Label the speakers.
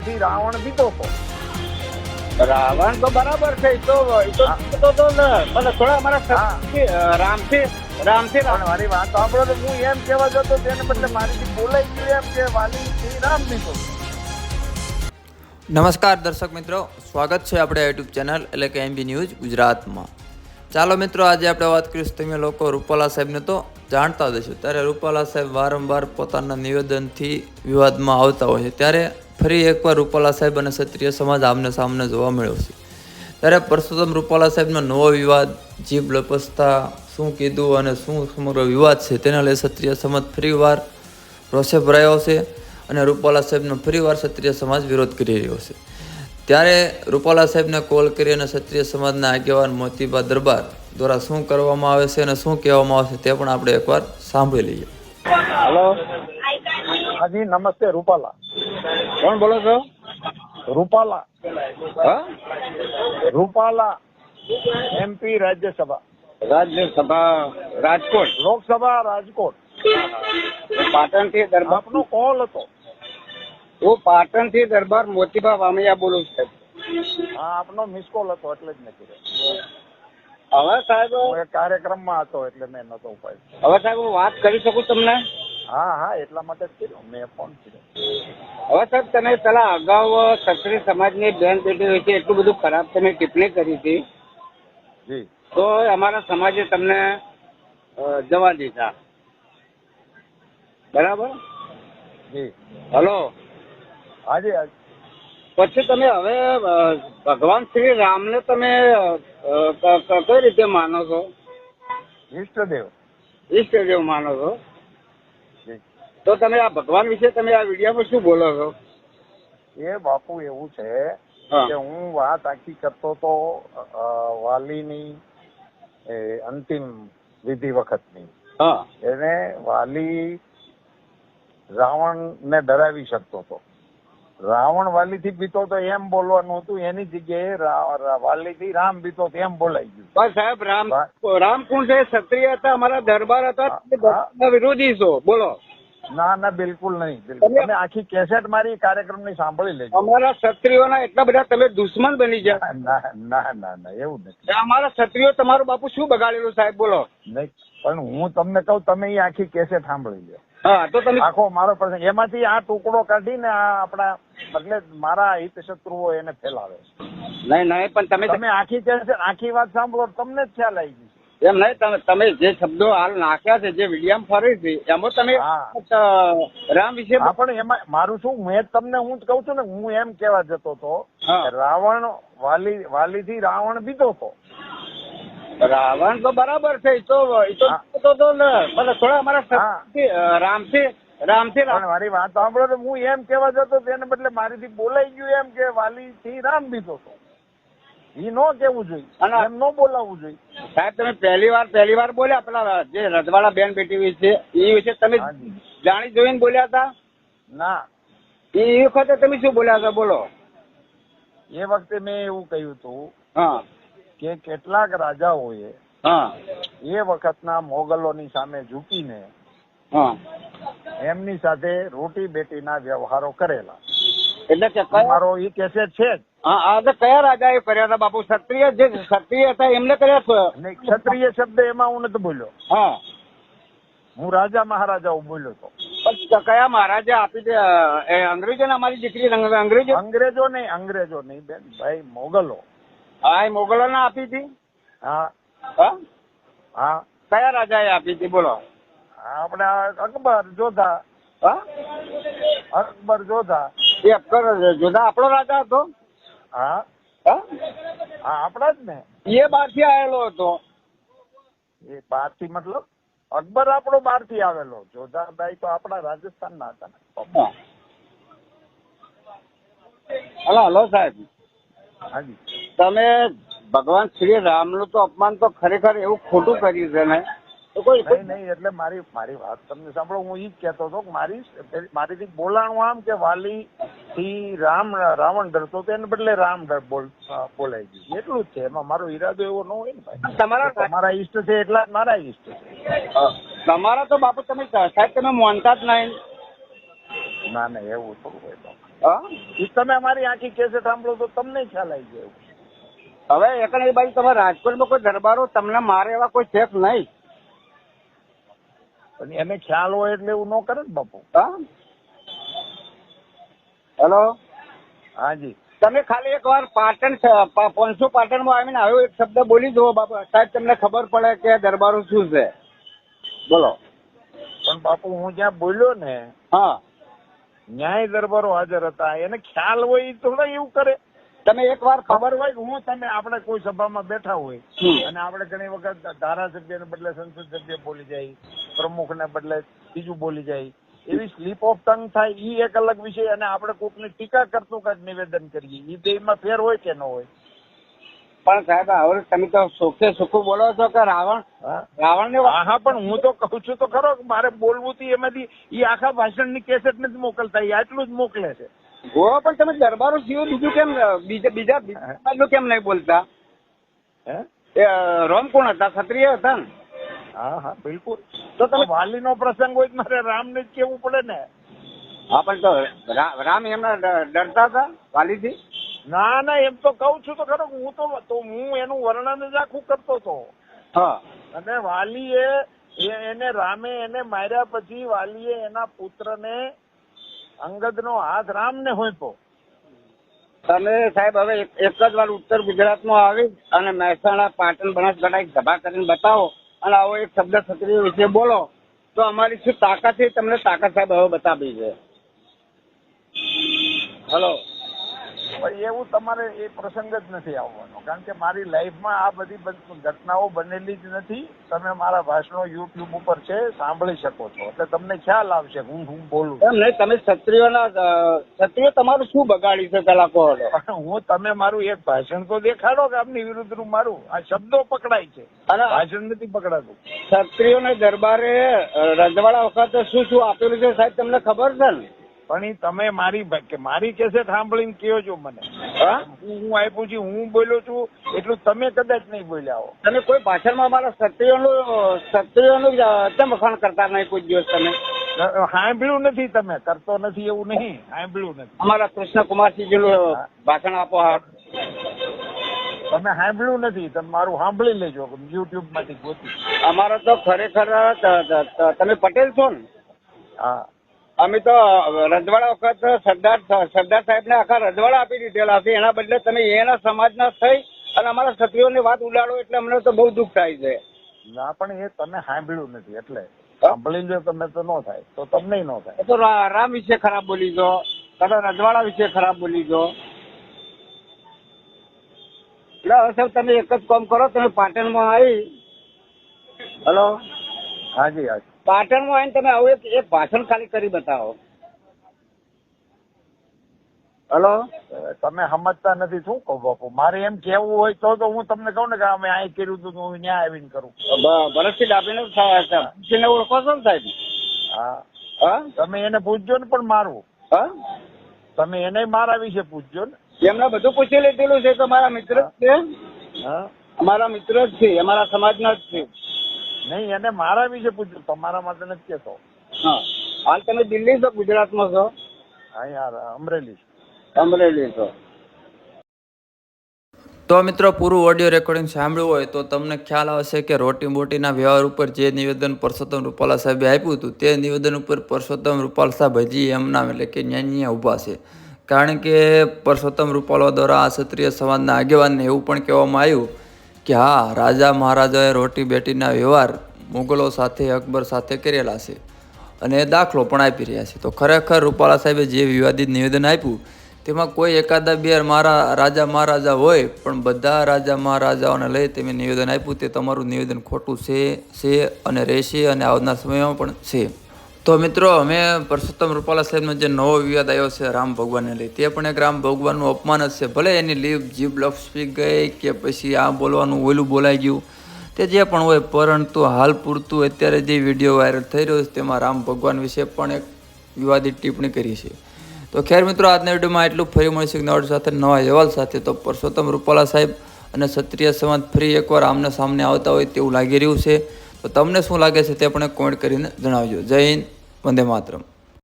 Speaker 1: થી રાવણ બીતો હતો.
Speaker 2: રાવણ તો બરાબર છે, તો થોડા અમારા રામથી
Speaker 1: પણ મારી વાત સાંભળો તો હું એમ કહેવા જતો તેને બદલે મારીથી બોલાઈ ગયું એમ કે વાલી થી રામ બીતો.
Speaker 3: નમસ્કાર દર્શક મિત્રો, સ્વાગત છે આપણે યુટ્યુબ ચેનલ એટલે કે એમબી ન્યૂઝ ગુજરાતમાં. ચાલો મિત્રો, આજે આપણે વાત કરીશું. તમે લોકો રૂપાલા સાહેબને તો જાણતા જ હશો. ત્યારે રૂપાલા સાહેબ વારંવાર પોતાના નિવેદનથી વિવાદમાં આવતા હોય છે. ત્યારે ફરી એકવાર રૂપાલા સાહેબ અને ક્ષત્રિય સમાજ આમને સામને જોવા મળ્યો છે. ત્યારે પરસોત્તમ રૂપાલા સાહેબનો નવો વિવાદ, જીભ લપસતા શું કીધું અને શું સમગ્ર વિવાદ છે તેના લઈ ક્ષત્રિય સમાજ ફરીવાર રોષે ભરાયો છે અને રૂપાલા સાહેબનો ફરીવાર ક્ષત્રિય સમાજ વિરોધ કરી રહ્યો છે. ત્યારે રૂપાલા સાહેબને કોલ કરી અને ક્ષત્રિય સમાજના આગેવાન મોતીબા દરબાર દ્વારા શું કરવામાં આવે છે અને શું કહેવામાં આવે છે તે પણ આપણે એકવાર સાંભળી લઈએ.
Speaker 2: હલો,
Speaker 1: હાજી નમસ્તે. રૂપાલા.
Speaker 2: કોણ બોલો છો?
Speaker 1: રૂપાલા.
Speaker 2: હા,
Speaker 1: રૂપાલા, MP રાજ્યસભા,
Speaker 2: રાજ્યસભા રાજકોટ,
Speaker 1: લોકસભા રાજકોટ.
Speaker 2: પાટણ થી દરબાર.
Speaker 1: આપનો કોલ હતો.
Speaker 2: હું પાટણ થી દરબાર મોતીબા વામૈયા બોલું છું.
Speaker 1: હા, આપનો મિસ કોલ હતો એટલે જ મેં કીધું.
Speaker 2: હવે સાહેબ,
Speaker 1: હું એક કાર્યક્રમમાં હતો એટલે મેં નતો ઉપાડ્યો.
Speaker 2: હવે સાહેબ હું વાત કરી શકું તમને?
Speaker 1: હા હા, એટલા માટે જ કર્યો મેં ફોન કર્યો.
Speaker 2: હવે સાહેબ, તમે પેલા અગાઉ ક્ષત્રિય સમાજની બેન બેટી વિશે એટલું બધું ખરાબ તમે ટિપ્પણી કરી હતી,
Speaker 1: જી
Speaker 2: તો અમારા સમાજે તમને જવા દીધા, બરાબર?
Speaker 1: જી.
Speaker 2: હલો,
Speaker 1: હાજી હાજી.
Speaker 2: પછી તમે હવે ભગવાન શ્રી રામને તમે કઈ રીતે માનો છો?
Speaker 1: ઈષ્ટદેવ.
Speaker 2: ઈષ્ટદેવ માનો છો?
Speaker 1: જી.
Speaker 2: તો તમે આ ભગવાન વિશે તમે આ વિડીયોમાં શું બોલો છો?
Speaker 1: એ બાપુ એવું છે
Speaker 2: હા.
Speaker 1: કે હું વાત આખી કરતો તો વાલીની અંતિમ વિધિ વખતની.
Speaker 2: હા,
Speaker 1: એને વાલી રાવણને ડરાવી શકતો હતો. રાવણ વાલીથી બીતો તો એમ બોલવાનું હતું, એની જગ્યાએ વાલીથી રામ બીતો તો એમ બોલાઈ ગયું.
Speaker 2: પણ સાહેબ રામ કોણ છે? ક્ષત્રિય હતા, અમારા દરબાર હતા, તમે વિરોધી છો, બોલો.
Speaker 1: ના ના, બિલકુલ નહીં. બિલકુલ. તમે આખી કેસેટ મારી કાર્યક્રમની સાંભળી લેજો.
Speaker 2: અમારા ક્ષત્રિયોના એટલા બધા તમે દુશ્મન બની ગયા.
Speaker 1: ના ના ના ના, એવું નથી.
Speaker 2: અમારા ક્ષત્રિયો તમારું બાપુ શું બગાડેલું સાહેબ, બોલો.
Speaker 1: નહીં, પણ હું તમને કહું, તમે એ આખી કેસેટ સાંભળી લો.
Speaker 2: હા, તો તમે
Speaker 1: આખો મારો પ્રસંગ એમાંથી આ ટુકડો કાઢીને આ આપણા એટલે મારા હિત શત્રુઓ એને ફેલાવે છે.
Speaker 2: નહીં, પણ તમે
Speaker 1: આખી કેસેટ આખી વાત સાંભળો, તમને જ ખ્યાલ આવી ગઈ.
Speaker 2: એમ નહીં, તમે જે શબ્દો હાલ નાખ્યા છે, જે વિડીયામાં ફરે છે, એમાં તમે રામ વિશે
Speaker 1: પણ એમાં મારું શું, મેં તમને હું જ કહું છું ને, હું એમ કેવા જતો હતો
Speaker 2: હા.
Speaker 1: કે રાવણ વાલીથી રાવણ બીતો હતો.
Speaker 2: રાવણ તો બરાબર છે, થોડા અમારા રામથી
Speaker 1: પણ મારી વાત સાંભળો તો હું એમ કેવા જતો તેને બદલે મારીથી બોલાઈ ગયું એમ કે વાલીથી રામ બીતો હતો. એ નો કેવું જોઈએ, એમ નો બોલાવવું જોઈએ.
Speaker 2: સાહેબ, તમે પહેલી વાર બોલ્યા પેલા જે રજવાડા બેન બેટી વિશે, એ વિશે તમે જાણી જોઈને બોલ્યા હતા?
Speaker 1: ના,
Speaker 2: એ વખતે તમે શું બોલ્યા હતા, બોલો.
Speaker 1: એ વખતે મેં એવું કહ્યું હતું
Speaker 2: હા,
Speaker 1: કે કેટલાક રાજાઓએ
Speaker 2: હા,
Speaker 1: એ વખતના મોગલોની સામે ઝૂકીને
Speaker 2: હા.
Speaker 1: એમની સાથે રોટી બેટીના વ્યવહારો કરેલા.
Speaker 2: એટલે કે
Speaker 1: મારો એ કેસેટ છે જ.
Speaker 2: હા, કયા રાજા એ કર્યા હતા બાપુ? ક્ષત્રિય હતા એમને કર્યા છે?
Speaker 1: નહીં, ક્ષત્રિય શબ્દ એમાં હું નથી બોલ્યો.
Speaker 2: હા,
Speaker 1: હું રાજા મહારાજાઓ બોલ્યો હતો.
Speaker 2: પણ કયા મહારાજા આપી દે? અંગ્રેજો ને અમારી દીકરી
Speaker 1: અંગ્રેજો નહીં બેન ભાઈ, મોગલો.
Speaker 2: હા, એ મોગલો ને આપી હતી.
Speaker 1: હા હા.
Speaker 2: કયા રાજા એ આપી હતી, બોલો?
Speaker 1: આપણે અકબર જોધા.
Speaker 2: હા,
Speaker 1: અકબર જોધા.
Speaker 2: એ અકબર જોધા આપણો રાજા હતો?
Speaker 1: હા
Speaker 2: હા,
Speaker 1: આપણા જ ને.
Speaker 2: એ બહારથી આવેલો હતો.
Speaker 1: એ બહારથી મતલબ અકબર આપણો બહારથી આવેલો, જોધાભાઈ તો આપણા રાજસ્થાનના હતા ને.
Speaker 2: હલો સાહેબ,
Speaker 1: હાજી.
Speaker 2: તમે ભગવાન શ્રી રામનું તો અપમાન તો ખરેખર એવું ખોટું કર્યું છે ને?
Speaker 1: નહીં, એટલે મારી વાત તમને સાંભળો. હું ઈ જ કહેતો હતો કે મારીથી બોલાણું આમ કે વાલી થી રાવણ ડરતો હતો, એને બદલે રામ બોલાઈ ગયું, એટલું જ છે. એમાં મારો ઈરાદો એવો ન હોય ને ભાઈ. તમારા ઈષ્ટ છે એટલા જ મારા ઈષ્ટ છે.
Speaker 2: તમારા તો બાપુ તમે સાહેબ તમે માનતા જ નહીં.
Speaker 1: ના ના, એવું થોડું હોય બાપુ.
Speaker 2: હા
Speaker 1: એ તમે અમારી આખી કેસેટ સાંભળો તો તમને ખ્યાલ આવી જાય.
Speaker 2: હવે એક બાજુ તમારે રાજકોટમાં કોઈ દરબારો તમને મારે એવા કોઈ છે નહીં.
Speaker 1: પણ એને ખ્યાલ હોય એટલે એવું ન કરે ને બાપુ.
Speaker 2: હા હેલો
Speaker 1: હાજી.
Speaker 2: તમે ખાલી એક વાર પાટણ પોનસુ પાટણમાં આવીને આવ્યો એક શબ્દ બોલી જુઓ બાપુ, સાહેબ તમને ખબર પડે કે દરબારો શું છે. બોલો.
Speaker 1: પણ બાપુ હું જ્યાં બોલ્યો ને
Speaker 2: હા
Speaker 1: ન્યાય દરબારો હાજર હતા, એને ખ્યાલ હોય એ થોડા એવું કરે.
Speaker 2: તમે એક વાર
Speaker 1: ખબર હોય કે હું તમે આપણે કોઈ સભામાં બેઠા હોય અને આપણે ઘણી વખત ધારાસભ્યને બદલે સંસદ સભ્ય બોલી જાય, પ્રમુખને બદલે બીજું બોલી જાય, એવી સ્લીપ ઓફ ટંગ થાય એ એક અલગ વિષય. અને આપણે કોકની ટીકા કરતું કાંઈક નિવેદન કરીએ એ બેમાં ફેર હોય કે ન હોય.
Speaker 2: પણ સાહેબ હવે તમે તો સુખે સુખું બોલો છો કે રાવણ ને
Speaker 1: હા પણ હું તો કહું છું તો ખરો કે મારે બોલવું હતું એમાંથી એ આખા ભાષણની કેસેટ નથી મોકલતા, એ આટલું જ મોકલે છે.
Speaker 2: ગો પણ તમે દરબારો સિવાય બીજું કેમ બીજા કેમ નહીં બોલતા?
Speaker 1: હે
Speaker 2: રોમ કોણ હતા? ક્ષત્રિય હતા ને?
Speaker 1: હા હા બિલકુલ. તો તમે વાલીનો પ્રસંગ હોય મારે રામને જ કેવું પડે ને.
Speaker 2: હા પણ તો રામ એમના ડરતા હતા વાલીથી?
Speaker 1: ના ના એમ તો કઉ છું તો ખરો. હું એનું વર્ણન જ આખું કરતો હતો.
Speaker 2: હા.
Speaker 1: અને વાલીએ એને રામે એને માર્યા પછી વાલીએ એના પુત્રને અંગદનો હાથ રામને હોંપ્યો.
Speaker 2: તમે સાહેબ હવે એક જ વાર ઉત્તર ગુજરાતમાં આવી અને મહેસાણા પાટણ બનાસકાંઠા એક સભા કરીને બતાવો અને આવો એક શબ્દ ક્ષત્રિય વિશે બોલો તો અમારી શું તાકાત છે તમને તાકાત સાહેબ હવે બતાવી છે. હલો.
Speaker 1: એવું તમારે એ પ્રસંગ જ નથી આવવાનો, કારણ કે મારી લાઈફમાં આ બધી ઘટનાઓ બનેલી જ નથી. તમે મારા ભાષણો યુટ્યુબ ઉપર છે, સાંભળી શકો છો, એટલે તમને ખ્યાલ આવશે હું બોલું.
Speaker 2: એમ નહીં, તમે ક્ષત્રિય તમારું શું બગાડ્યું છે પેલા કહો.
Speaker 1: હું તમે મારું એક ભાષણ તો દેખાડો કે આપની વિરુદ્ધનું મારું આ શબ્દો પકડાય છે અને ભાષણ નથી પકડાતું.
Speaker 2: ક્ષત્રિયોને દરબારે રજવાડા વખતે શું શું આપેલું છે સાહેબ તમને ખબર છે ને?
Speaker 1: પણ એ તમે મારી કેસેટ સાંભળીને કહો છો મને. હું આપ્યું છું, હું બોલ્યો છું એટલું તમે કદાચ નહીં બોલ્યા હો.
Speaker 2: તમે કોઈ ભાષણમાં અમારા ક્ષત્રિયોનું કેમ વખાણ કરતા નહીં કોઈ દિવસ? તમે
Speaker 1: સાંભળ્યું નથી, તમે કરતો નથી એવું નહીં, સાંભળ્યું નથી.
Speaker 2: અમારા કૃષ્ણકુમારસિંહજીનું ભાષણ આપો. હા
Speaker 1: તમે સાંભળ્યું નથી, તમે મારું સાંભળી લેજો યુટ્યુબ માંથી ગોતી.
Speaker 2: અમારો તો ખરેખર તમે પટેલ છો ને?
Speaker 1: હા.
Speaker 2: અમે તો રજવાડા વખત સરદાર સાહેબને આખા રજવાડા આપી દીધેલા છે, એના બદલે તમે એના સમાજના થઈ અને અમારા ક્ષત્રિયોની વાત ઉડાડો એટલે અમને તો બહુ દુઃખ થાય છે.
Speaker 1: ના પણ એ તમે સાંભળ્યું નથી એટલે સાંભળી લો તમે તો ન થાય, તો તમને ન થાય.
Speaker 2: તો રામ વિશે ખરાબ બોલી દો, તમે રજવાડા વિશે ખરાબ બોલી દો. એટલે હવે સાહેબ તમે એક જ કામ કરો, તમે પાટણમાં આવી. હલો.
Speaker 1: હાજી હાજી.
Speaker 2: પાટણમાં આવીને તમે આવું એક ભાષણ ખાલી કરી બતાવો. હલો.
Speaker 1: તમે સમજતા નથી શું કહું બાપુ. મારે એમ કેવું હોય તો હું તમને કહું ને કે અમે અહીં કર્યું હતું હું ત્યાં આવીને કરું.
Speaker 2: ભરતસિંહ ડાભીને ઓળખો છો ને સાહેબ?
Speaker 1: હા
Speaker 2: હા.
Speaker 1: તમે એને પૂછજો ને પણ મારું.
Speaker 2: હા.
Speaker 1: તમે એને મારા વિશે પૂછજો ને.
Speaker 2: એમને બધું પૂછી લીધેલું છે તો મારા મિત્ર જ છે.
Speaker 1: હા અમારા
Speaker 2: મિત્ર જ છે, અમારા સમાજના જ છે.
Speaker 1: નહીં એને મારા વિશે પૂછજો, તમારા માટે નથી કેતો.
Speaker 2: હા. હાલ તમે દિલ્હી છો ગુજરાતમાં છો?
Speaker 1: અહીંયા અમરેલી.
Speaker 2: અમરેલી છો.
Speaker 3: તો મિત્રો પૂરું ઓડિયો રેકોર્ડિંગ સાંભળ્યું હોય તો તમને ખ્યાલ આવશે કે રોટી બોટીના વ્યવહાર ઉપર જે નિવેદન પરસોત્તમ રૂપાલા સાહેબે આપ્યું હતું તે નિવેદન ઉપર પરસોત્તમ રૂપાલા સાહેબ હજી એમના એટલે કે ન્યાય ઊભા છે. કારણ કે પરસોત્તમ રૂપાલા દ્વારા આ ક્ષત્રિય સમાજના આગેવાનને એવું પણ કહેવામાં આવ્યું કે હા, રાજા મહારાજાએ રોટી બેટીના વ્યવહાર મુગલો સાથે અકબર સાથે કરેલા છે અને એ દાખલો પણ આપી રહ્યા છે. તો ખરેખર રૂપાલા સાહેબે જે વિવાદિત નિવેદન આપ્યું તેમાં કોઈ એકાદા બે રાજા મહારાજા હોય પણ બધા રાજા મહારાજાઓને લઈ તમે નિવેદન આપ્યું તે તમારું નિવેદન ખોટું છે અને રહેશે અને આવનાર સમયમાં પણ છે. તો મિત્રો અમે પરસોત્તમ રૂપાલા સાહેબનો જે નવો વિવાદ આવ્યો છે રામ ભગવાનને લઈ, તે પણ એક રામ ભગવાનનું અપમાન જ છે. ભલે એની જીભ લપસી ગઈ કે પછી આ બોલવાનું ઓલું બોલાઈ ગયું, તે જે પણ હોય, પરંતુ હાલ પૂરતું અત્યારે જે વિડીયો વાયરલ થઈ રહ્યો છે તેમાં રામ ભગવાન વિશે પણ એક વિવાદિત ટિપ્પણી કરી છે. તો ખેર મિત્રો આજના વિડીયોમાં એટલું. ફરી મળીશું નવા સાથે નવા અહેવાલ સાથે. તો પરસોત્તમ રૂપાલા સાહેબ અને ક્ષત્રિય સમાજ ફરી એકવાર આમને સામને આવતા હોય તેવું લાગી રહ્યું છે. તો તમને શું લાગે છે તે પણ કોમેન્ટ કરીને જણાવજો. જય હિન્દ, વંદે માતરમ.